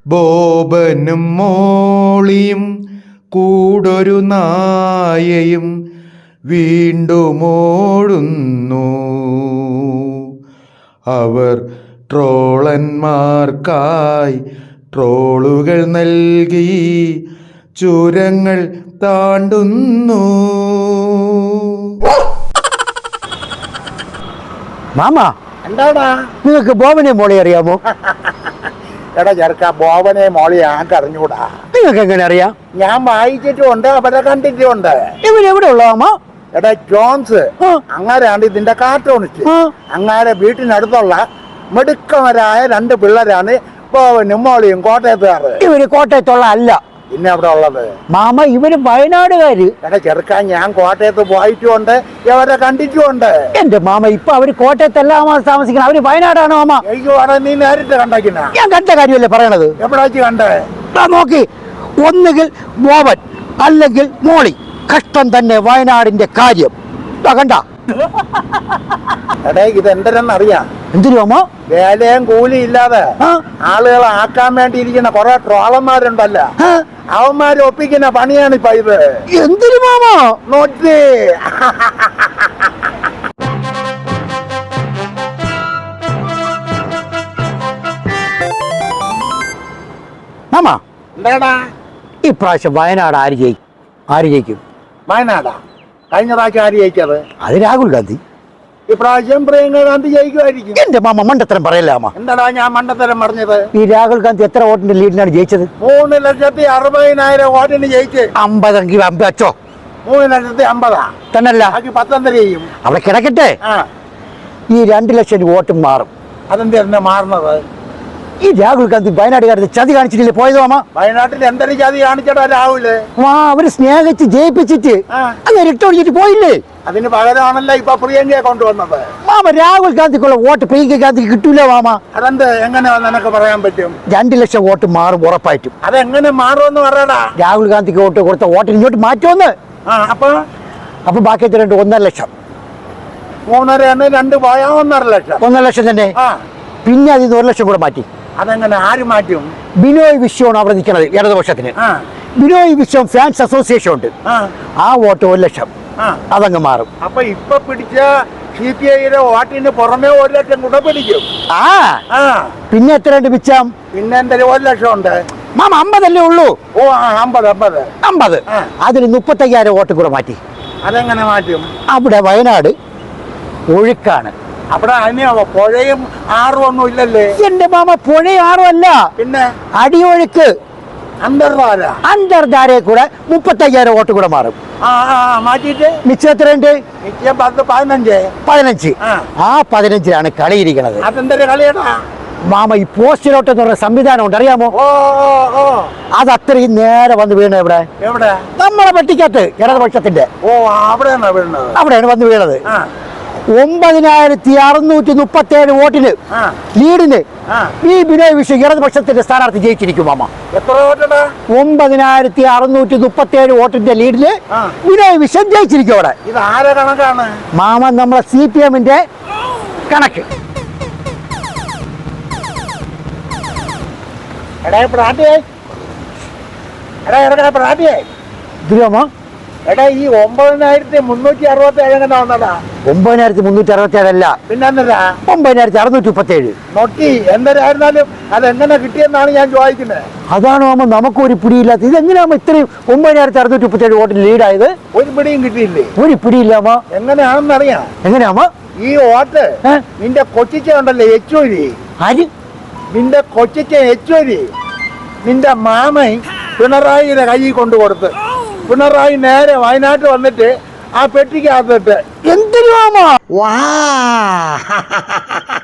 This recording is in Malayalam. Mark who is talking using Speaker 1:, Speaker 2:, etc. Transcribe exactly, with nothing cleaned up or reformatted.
Speaker 1: ബോബനും മോളിയും കൂടൊരു നായയും വീണ്ടും ഓടുന്നു. അവർ ട്രോളന്മാർക്കായി ട്രോളുകൾ നൽകി ചുരങ്ങൾ താണ്ടുന്നു.
Speaker 2: മാമ,
Speaker 3: എന്താടാ
Speaker 2: നിങ്ങൾക്ക് ബോബനെ മോളി അറിയാമോ?
Speaker 3: എടാ ചെറുക്ക, ബോബനെ മോളി ഞങ്ങൾക്ക് അറിഞ്ഞൂടാ.
Speaker 2: നിങ്ങൾക്ക് എങ്ങനെ അറിയാം?
Speaker 3: ഞാൻ വായിച്ചിട്ടുമുണ്ട്, അവരെ കണ്ടിട്ടുമുണ്ട്.
Speaker 2: ഇവരെവിടെ ഉള്ള മാമ?
Speaker 3: എടാ ജോൺസ് അങ്ങാരാണ് ഇതിന്റെ കാർട്ടൂണിസ്റ്റ്. അങ്ങാരെ വീട്ടിനടുത്തുള്ള മിടുക്കവരായ രണ്ട് പിള്ളേരാണ് ബോബനും മോളിയും കോട്ടയത്തുകാര്.
Speaker 2: ഇവര് കോട്ടയത്തുള്ള അല്ല,
Speaker 3: പിന്നെ അവിടെ ഉള്ളത്
Speaker 2: മാമ ഇവര് വയനാടുകാര്.
Speaker 3: എടാ ചെറുക്കാൻ, ഞാൻ കോട്ടയത്ത് പോയിട്ടുമുണ്ട്, ഇവരെ കണ്ടിട്ടുമുണ്ട്.
Speaker 2: എന്റെ മാമ, ഇപ്പൊ അവര് കോട്ടയത്തല്ല താമസിക്കണം, അവര് വയനാടാണ് മാമ.
Speaker 3: അയ്യോ, അവിടെ നീ നേരിട്ട് കണ്ടേക്കിന?
Speaker 2: ഞാൻ കണ്ട കാര്യമല്ലേ പറയണത്.
Speaker 3: എവിടെ വെച്ച് കണ്ടേ?
Speaker 2: നോക്കി, ഒന്നുകിൽ ബോബൻ അല്ലെങ്കിൽ മോളി. കഷ്ടം തന്നെ വയനാടിന്റെ കാര്യം. കണ്ട
Speaker 3: എടേ, ഇത് എന്തെന്നറിയാം?
Speaker 2: എന്തിനു മാമ?
Speaker 3: വേലയും കൂലി ഇല്ലാതെ ആളുകളെ ആക്കാൻ വേണ്ടി ഇരിക്കുന്ന കുറെ ട്രോളന്മാരുണ്ടല്ലോ, അവന്മാര് ഒപ്പിക്കുന്ന പണിയാണ് ഇപ്പൊ ഇത്.
Speaker 2: എന്തിനു മാമ?
Speaker 3: നോക്കി
Speaker 2: മാമ,
Speaker 3: എന്താടാ
Speaker 2: ഇപ്രാവശ്യം വയനാട് ആര് ജയിക്കും? ആര് ജയിക്കും?
Speaker 3: വയനാടാ കഴിഞ്ഞ പ്രാവശ്യം ആര് ജയിച്ചത്?
Speaker 2: അത് രാഹുൽ ഗാന്ധി.
Speaker 3: ഇപ്രാവശ്യം പ്രിയങ്ക ഗാന്ധി ജയിക്കുമായിരിക്കും.
Speaker 2: എന്റെ മാമ മണ്ടത്തരം പറയല്ല മാമ.
Speaker 3: എന്താടാ ഞാൻ മണ്ടത്തരം പറഞ്ഞത്?
Speaker 2: ഈ രാഹുൽ ഗാന്ധി എത്ര വോട്ടിന്റെ ലീഡിനാണ് ജയിച്ചത്?
Speaker 3: മൂന്ന് ലക്ഷത്തി അറുപതിനായിരം വോട്ടിന് ജയിച്ച്.
Speaker 2: അമ്പതെങ്കിൽ അമ്പച്ചോ?
Speaker 3: മൂന്ന് ലക്ഷത്തി അമ്പതാ
Speaker 2: തന്നല്ല,
Speaker 3: ബാക്കി പത്തൊന്നര ചെയ്യും.
Speaker 2: അവിടെ കിടക്കട്ടെ.
Speaker 3: ആ,
Speaker 2: ഈ രണ്ട് ലക്ഷം വോട്ടും മാറും.
Speaker 3: അതെന്താ മാറുന്നത്?
Speaker 2: ഈ രാഹുൽ ഗാന്ധി വയനാട്ടുകാരുടെ ചതി കാണിച്ചിട്ടില്ലേ പോയത് മാമ?
Speaker 3: വയനാട്ടിൽ എന്തൊരു ചതി കാണിച്ചടാ രാഹുല്?
Speaker 2: വാ, അവര് സ്നേഹിച്ച് ജയിപ്പിച്ചിട്ട് അങ്ങനെ ഇട്ടൊടിച്ചിട്ട് പോയില്ലേ?
Speaker 3: അതിന് പകരമാണല്ലോ ഇപ്പൊ പ്രിയങ്കയെ കൊണ്ടുവന്നത്.
Speaker 2: മാമ, രാഹുൽ ഗാന്ധിക്കുള്ള വോട്ട് പ്രിയങ്ക ഗാന്ധിക്ക് കിട്ടൂല മാമ.
Speaker 3: അതെന്ത് എങ്ങനെ നിനക്ക് പറയാൻ പറ്റും?
Speaker 2: രണ്ട് ലക്ഷം വോട്ട് മാറും ഉറപ്പായിട്ടും.
Speaker 3: അതെങ്ങനെ മാറുമെന്ന് പറയടാ.
Speaker 2: രാഹുൽ ഗാന്ധിക്ക് വോട്ട് കൊടുത്ത വോട്ടിന് ഇങ്ങോട്ട് മാറ്റുമെന്ന്.
Speaker 3: ആ, അപ്പൊ
Speaker 2: അപ്പൊ ബാക്കി എത്ര ഉണ്ട്? ഒന്നര ലക്ഷം.
Speaker 3: മൂന്നര രണ്ട് പോയാ ഒന്നര ലക്ഷം.
Speaker 2: ഒന്നര ലക്ഷം തന്നെ.
Speaker 3: ആ,
Speaker 2: പിന്നെ അതിൽ നിന്ന് ഒരു ലക്ഷം കൂടെ മാറ്റി.
Speaker 3: അതെങ്ങനെ ആര് മാറ്റും?
Speaker 2: ബിനോയ് വിശ്വമാണ് അവിടെ നിൽക്കുന്നത് ഇടതുപക്ഷത്തിന്.
Speaker 3: ആ,
Speaker 2: ബിനോയ് വിശ്വം ഫാൻസ് അസോസിയേഷൻ ഉണ്ട്,
Speaker 3: ആ,
Speaker 2: ആ വോട്ട് ഒരു ലക്ഷം.
Speaker 3: ആ,
Speaker 2: അതങ്ങ് മാറും.
Speaker 3: അപ്പൊ ഇപ്പൊ പിടിച്ച സി പി ഐയുടെ വോട്ടിന് പുറമെ ഒരു ലക്ഷം കൂടെ പിടിക്കും.
Speaker 2: ആ,
Speaker 3: ആ,
Speaker 2: പിന്നെ എത്രയുണ്ട് മിച്ചം?
Speaker 3: പിന്നെ എന്തായാലും ഒരു ലക്ഷം ഉണ്ട്.
Speaker 2: മാമ, അമ്പതല്ലേ ഉള്ളൂ.
Speaker 3: ഓ, ആ, അമ്പത് അമ്പത്
Speaker 2: അമ്പത്.
Speaker 3: ആ.
Speaker 2: അതിന് മുപ്പത്തയ്യായിരം വോട്ട് കൂടെ മാറ്റി.
Speaker 3: അതെങ്ങനെ മാറ്റും?
Speaker 2: അവിടെ വയനാട് ഒഴുക്കാണ്.
Speaker 3: അവിടെ അതിന് പുഴയും ആറും ഒന്നും ഇല്ലല്ലേ?
Speaker 2: എന്റെ മാമ, പുഴയാറും അല്ല,
Speaker 3: പിന്നെ
Speaker 2: അടിയൊഴുക്ക്,
Speaker 3: അന്തർധാര.
Speaker 2: അന്തർധാരയെ കൂടെ മുപ്പത്തയ്യായിരം വോട്ട് കൂടെ മാറും.
Speaker 3: ആ, ആ, മാറ്റിട്ട്
Speaker 2: മിച്ചം എത്രയുണ്ട്?
Speaker 3: നിശ്ചയം പത്ത് പതിനഞ്ച്
Speaker 2: പതിനഞ്ച്.
Speaker 3: ആ.
Speaker 2: ആ പതിനഞ്ചിലാണ് കളിയിരിക്കുന്നത്.
Speaker 3: അതെന്തൊരു കളിയടാ
Speaker 2: മാമ, ഈ പോസ്റ്റിലോട്ട് എന്ന് പറഞ്ഞ സംവിധാനം ഉണ്ട്, അറിയാമോ?
Speaker 3: ഓ, ഓ, ഓ,
Speaker 2: അത് അത്രയും നേരെ വന്ന് വീണ ഇവിടെ
Speaker 3: എവിടെ?
Speaker 2: നമ്മളെ പെട്ടിക്കകത്ത് ഇടതുപക്ഷത്തിന്റെ.
Speaker 3: ഓ, അവിടെയാണോ വീണത്?
Speaker 2: അവിടെയാണ് വന്ന് വീണത്.
Speaker 3: ആ,
Speaker 2: ഒമ്പതിനായിരത്തി അറുന്നൂറ്റി മുപ്പത്തി ഏഴ് വോട്ടിന്
Speaker 3: ആ,
Speaker 2: ലീഡിന്
Speaker 3: ആ.
Speaker 2: ഈ ബിനോയ് വിശ്വം ഇടതുപക്ഷത്തിന്റെ സ്ഥാനാർത്ഥി ജയിച്ചിരിക്കും മാമ.
Speaker 3: എത്ര വോട്ടടാ?
Speaker 2: ഒമ്പതിനായിരത്തി അറുന്നൂറ്റി മുപ്പത്തി ഏഴ് വോട്ടിന്റെ ലീഡില്
Speaker 3: ആ.
Speaker 2: ബിനോയ് വിശ്വം ജയിച്ചിരിക്കും അവിടെ.
Speaker 3: ഇത് ആരെ കണക്കാണ്?
Speaker 2: മാമ, നമ്മളെ സി പി എമ്മിന്റെ കണക്ക്.
Speaker 3: എടാ പ്രാട്ടിയേ, എടാ എടാ പ്രാട്ടിയേ,
Speaker 2: ഇതിലാമോ?
Speaker 3: എടാ ഈ ഒമ്പതിനായിരത്തി മുന്നൂറ്റി അറുപത്തി ഏഴ് എങ്ങനെ വന്നടാ?
Speaker 2: ഒമ്പതിനായിരത്തി മുന്നൂറ്റി അറുപത്തി ഏഴല്ല,
Speaker 3: പിന്നെന്താ
Speaker 2: ഒമ്പതിനായിരത്തി അറുന്നൂറ്റി മുപ്പത്തി ഏഴ്.
Speaker 3: നോക്കി എന്തായിരുന്നാലും അതെങ്ങനെ കിട്ടിയെന്നാണ് ഞാൻ ചോദിക്കുന്നത്.
Speaker 2: അതാണ് മാമ നമുക്കും ഒരു പിടിയില്ലാത്ത. ഇതെങ്ങനെയാകുമ്പോ ഇത്രയും ഒമ്പതിനായിരത്തി അറുന്നൂറ്റി മുപ്പത്തി ഏഴ് വോട്ടിൽ ലീഡായത്?
Speaker 3: ഒരു പിടിയും കിട്ടിയില്ലേ?
Speaker 2: ഒരു പിടിയില്ലാമോ?
Speaker 3: എങ്ങനെയാണെന്നറിയാം.
Speaker 2: എങ്ങനെയാമോ
Speaker 3: ഈ വോട്ട് നിന്റെ കൊച്ചിച്ച ഉണ്ടല്ലേ യെച്ചൂരി,
Speaker 2: ആര്?
Speaker 3: നിന്റെ കൊച്ചിച്ച യെച്ചൂരി നിന്റെ മാമൻ പിണറായിയുടെ കയ്യിൽ കൊണ്ടു കൊടുത്ത് പിണറായി നേരെ വയനാട്ട് വന്നിട്ട് ആ പെട്ടിക്കകത്തിട്ട്
Speaker 2: എന്തിനു മാമ?
Speaker 3: വാ